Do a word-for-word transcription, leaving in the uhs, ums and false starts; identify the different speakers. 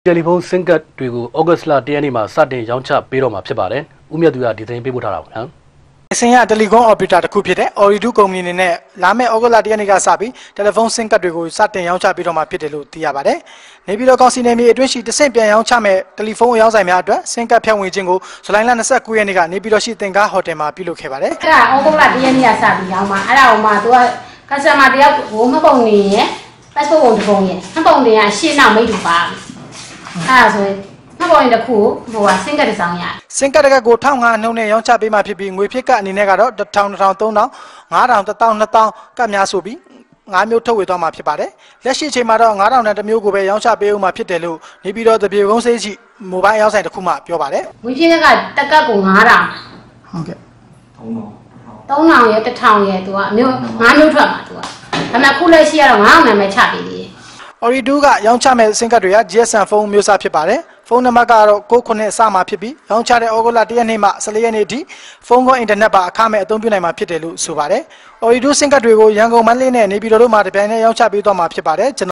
Speaker 1: တယ်လီဖုန်းဆင်းကတ်တွေကိုဩဂတ်စ်လတရက်နေ့မှာစတင်ရောင်းချပေးတော့မှာဖြစ်ပါတယ်။ဦးမြတ်သူကဒီသတင်းပေးပို့ထားတာပါနော်
Speaker 2: ။အစင်ရတယ်လီကွန်အော်ပရေတာတစ်ခုဖြစ်တဲ့ Ooredoo ကုမ္ပဏီအနေနဲ့လာမယ့်ဩဂတ်လတရက်နေ့ကစပြီးတယ်လီဖုန်းဆင်းကတ်တွေကိုစတင်ရောင်းချပေးတော့မှာဖြစ်တယ်လို့သိရပါတယ်။နေပြည်တော်ကောင်စီနယ်မြေအတွင်းရှိတဆင့်ပြန်ရောင်းချမဲ့တယ်လီဖုန်းအရောင်းဆိုင်များအတွက်ဆင်းကတ်ဖြန့်ဝေခြင်းကိုဇူလိုင်လ၂၉ရက်နေ့ကနေပြည်တော်ရှိသင်္ကားဟိုတယ်မှာပြုလုပ်ခဲ့ပါတယ်
Speaker 3: ။အဲ့ဒါဩဂတ်လတရက်နေ့ကစပြီးရောင်းမှာအဲ့ဒါဟိုမှာသူက customer တယောက်ဟိုမှတ်ပုံနေရယ် passport ပုံတစ်ပုံရယ်မှတ်ပုံတင်ကရှင်းနောက်မိတ်တူပါအဲ့ဒါဆိုရင်မှတ်ပုံရင်တစ်ခုဟိုကဆင်းကတ်တစ်စောင်းရ
Speaker 2: ဆင်းကတ်တကကိုတစ်ထောင်ငါးနှုန်းနဲ့ရောင်းချပေးမှဖြစ်ပြီးငွေဖြစ်ကအနေနဲ့ကတော့တစ်ထောင်တစ်ထောင်သုံးထောင်ငါးထောင်တစ်ထောင်နှစ်ထောင်ကတ်များဆိုပြီးငါးမျိုးထုတ်ဝေသွားမှာဖြစ်ပါတယ်လက်ရှိအချိန်မှာတော့ငါးထောင်နဲ့တစ်မျိုးကိုပဲရောင်းချပေးဦးမှာဖြစ်တယ်လို့နေပြည်တော်တပြေကုန်းစေးရှိမိုဘိုင်းရောင်းဆိုင်တစ်ခုမှပြောပါတယ်
Speaker 3: ငွေဖြစ်ကတက်ကတ်ကိုငါးထောင်
Speaker 2: ဟုတ်ကဲ့
Speaker 3: သုံးထောင်ရတစ်ထောင်ရသူကအမျိုးငါးမျိုးထွက်မှာသူကဒါပေမဲ့ခုလက်ရှိကတော့ငါးထောင်နဲ့ပဲချပေးသေးတယ်
Speaker 2: Ooredoo ကရောင်းချမဲ့ဆင်းကတ်တွေက G S M ဖုန်းမျိုးစားဖြစ်ပါတယ်ဖုန်းနံပါတ်ကတော့ကိုးခုနှစ်အစမှာဖြစ်ပြီးရောင်းချတဲ့ဩဂုတ်လတရက်နေ့မှ၁၄ရက်နေ့ထိဖုန်းကောအင်တာနက်ပါအခမဲ့အသုံးပြုနိုင်မှာဖြစ်တယ်လို့ဆိုပါတယ်Ooredoo ဆင်းကတ်တွေကိုရန်ကုန်မန္တလေးနဲ့နေပြည်တော်တို့မှာတပြိုင်တည်းရောင်းချပေးသွားမှာဖြစ်ပါတယ်